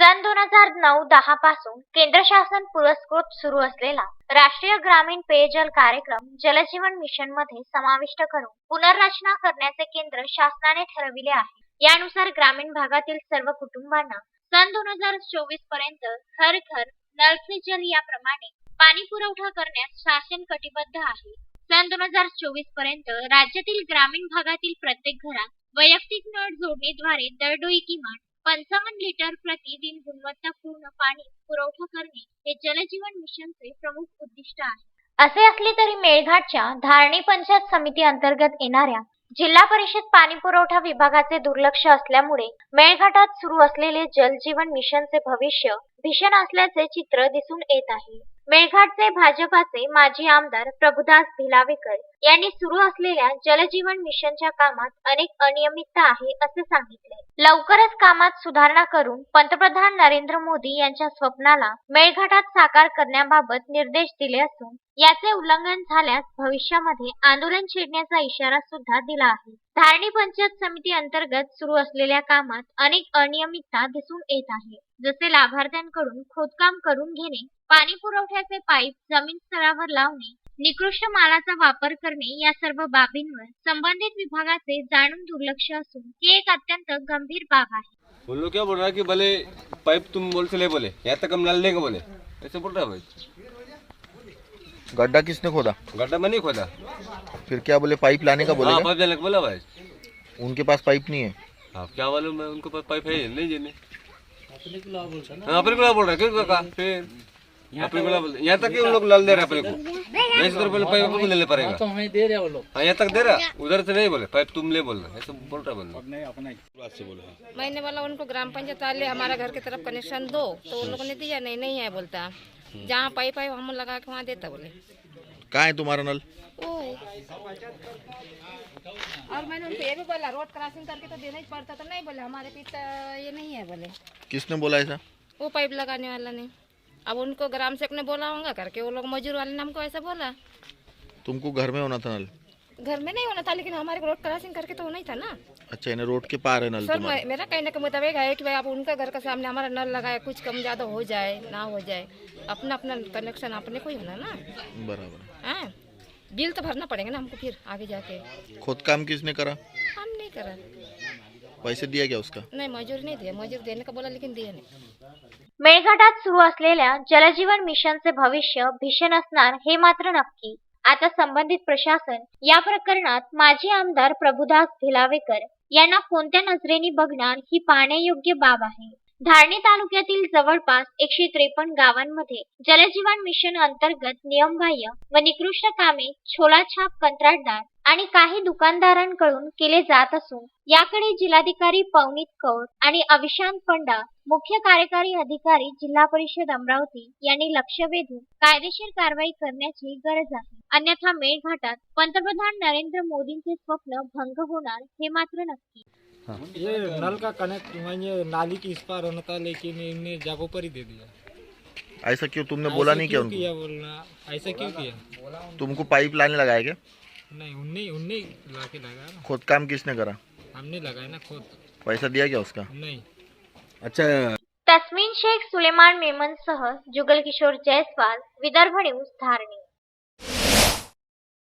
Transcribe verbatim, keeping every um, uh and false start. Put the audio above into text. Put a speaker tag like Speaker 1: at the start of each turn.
Speaker 1: सन दोन हजार नऊ दहा पासून केंद्र शासन पुरस्कृत सुरू असलेला राष्ट्रीय ग्रामीण पेयजल कार्यक्रम जलजीवन मिशन मध्ये समाविष्ट करून पुनर्रचना करण्याचे केंद्र शासनाने ठरविले आहे। यानुसार ग्रामीण भागातील सर्व कुटुंबांना सन दोन हजार चोवीस पर्यंत हर घर नल से जल याप्रमाणे पाणी पुरवठा करण्यास शासन कटिबद्ध आहे। सन दोन हजार चोवीस पर्यंत राज्यातील ग्रामीण भागातील प्रत्येक घरात वैयक्तिक नळ जोडणीद्वारे दरडोई किमान पंचावन्न लिटर प्रतिदिन गुणवत्तापूर्ण पाणी पुरवठा करणे हे जलजीवन मिशनचे प्रमुख उद्दिष्ट आहे। असे असले तरी मेळघाटच्या धारणी पंचायत समिती अंतर्गत येणाऱ्या जिल्हा परिषद पाणी पुरवठा विभागाचे दुर्लक्ष असल्यामुळे मेळघाटात सुरू असलेले जलजीवन मिशनचे भविष्य भीषण असल्याचे चित्र दिसून येत आहे। मेळघाटचे भाजपाचे माजी आमदार प्रभुदास भिलावेकर यांनी सुरू असलेल्या जलजीवन मिशनच्या कामात अनेक अनियमितता आहे असे सांगितले। लवकरच कामात सुधारणा करून पंतप्रधान नरेंद्र मोदी यांच्या स्वप्नाला मेळघाटात साकार करण्याबाबत निर्देश दिले असून याचे उल्लंघन झाल्यास भविष्यामध्ये आंदोलन छेडण्याचा इशारा सुद्धा दिला आहे। धारणी पंचायत समिती अंतर्गत सुरू असलेल्या कामात अनेक अनियमितता दिसून येत आहे, जसे लाभार्थ्यांकडून खोदकाम करून घेणे, पाणी पुरवठ्याचे पाईप जमीन स्तरावर लावणे, निकृष्ट मालाचा वापर करणे या सर्व बाबींवर संबंधित विभागाचे जाणून दुर्लक्ष असून ही एक अत्यंत गंभीर बाब आहे।
Speaker 2: वो लोग क्या बोल रहा है कि भले पाइप तुम बोल से ले बोले यहाँ तक हम डाल देंगे बोले, ऐसे बोल रहा है भाई।
Speaker 3: गड्ढा किसने खोदा?
Speaker 2: गड्ढा में नहीं खोदा।
Speaker 3: फिर क्या बोले, पाइप लाने का बोले?
Speaker 2: हाँ, पाइप लाने का बोला भाई।
Speaker 3: उनके पास पाइप नहीं है।
Speaker 2: हाँ, क्या मालूम, मैं उनके पास पाइप है नहीं जीने। अपने को बोल रहा है, अपने को बोल रहा है क्यों कहा फिर अपने को बोल यहाँ तक उन लोग लाल दे रहे अपने को, नहीं तो पहले पाइप को ले ले पड़ेगा।
Speaker 4: तो हमें दे रहे वो लोग।
Speaker 2: हाँ, यहाँ तक दे रहा, उधर से नहीं बोले पाइप तुम ले बोल रहे, ऐसे बोल रहा बंदा।
Speaker 4: अपने अपना ही बोला
Speaker 5: मैंने बोला उनको ग्राम पंचायत वाले हमारा घर की तरफ कनेक्शन दो, तो उन लोगों ने दिया नहीं नहीं है बोलता, जहाँ पाइप है हम लगा के वहाँ देता बोले।
Speaker 3: कहाँ है तुम्हारा नल?
Speaker 5: ओ और मैंने उनको ये भी बोला रोड क्रॉसिंग करके तो देना ही पड़ता, तो नहीं बोले हमारे पीछे ये नहीं है बोले।
Speaker 3: किसने बोला ऐसा?
Speaker 5: वो पाइप लगाने वाला ने। अब उनको ग्राम सेवक ने बोला होगा करके, वो लोग मजदूर वाले ने हमको ऐसा बोला।
Speaker 3: तुमको घर में होना था नल?
Speaker 5: घर में नहीं होना था, लेकिन हमारे रोड क्रॉसिंग करके तो होना ही था ना।
Speaker 3: अच्छा, इन्हें रोड के पार है नल
Speaker 5: सर
Speaker 3: तुम्हारा?
Speaker 5: मेरा कहने का मुताबिक है कि भाई आप उनका घर के सामने हमारा नल लगाए, कुछ कम ज्यादा हो जाए ना हो जाए, अपना अपना कनेक्शन अपने को ही होना ना।
Speaker 3: बराबर।
Speaker 5: हाँ, बिल तो भरना पड़ेगा ना हमको फिर आगे जाके।
Speaker 3: खुद काम किसने करा?
Speaker 5: हम नहीं करा।
Speaker 3: पैसे दिया क्या उसका?
Speaker 5: नहीं, मजूर नहीं दिया, मजूर देने का बोला लेकिन दिया नहीं।
Speaker 1: मेळघाटात सुरू असलेल्या जलजीवन मिशनचे भविष्य भीषण असणार हे मात्र नक्की। आता संबंधित प्रशासन या प्रकरणात माजी आमदार प्रभुदास भिलावेकर यांना कोणत्या नजरेने बघणार ही पाहण्यायोग्य बाब आहे। धारणी तालुक्यातील जवळपास एकशे त्रेपन्न गावांमध्ये जलजीवन मिशन अंतर्गत नियमबाह्य व निकृष्ट कामे छोलाछाप कंत्राटदार आणि काही दुकानदारांकडून केले जात असून याकडे जिल्हाधिकारी पवनीत कौर आणि अविशांत पंडा मुख्य कार्यकारी अधिकारी जिल्हा परिषद अमरावती यांनी लक्ष वेधून कायदेशीर कारवाई करण्याची गरज आहे। अन्यथा मेळघाटात पंतप्रधान नरेंद्र मोदींचे स्वप्न भंग होणार हे मात्र नक्की।
Speaker 4: ये नल का कनेक्ट मैंने नाली की इस पार होना था, लेकिन इनने जगहों पर ही दे दिया।
Speaker 3: ऐसा क्यों? तुमने बोला नहीं क्या
Speaker 4: क्यों किया
Speaker 3: उनको?
Speaker 4: बोलना ऐसा क्यों किया?
Speaker 3: तुमको पाइप लाने लगाया क्या?
Speaker 4: नहीं, उनने उनने ला के लगाया ना।
Speaker 3: खुद काम किसने करा?
Speaker 4: हमने लगाया ना खुद।
Speaker 3: पैसा दिया क्या उसका?
Speaker 4: नहीं।
Speaker 2: अच्छा,
Speaker 1: तस्मीन शेख, सुलेमान मेमन सह जुगल किशोर जयस्वाल, विदर्भ न्यूज, धारणी।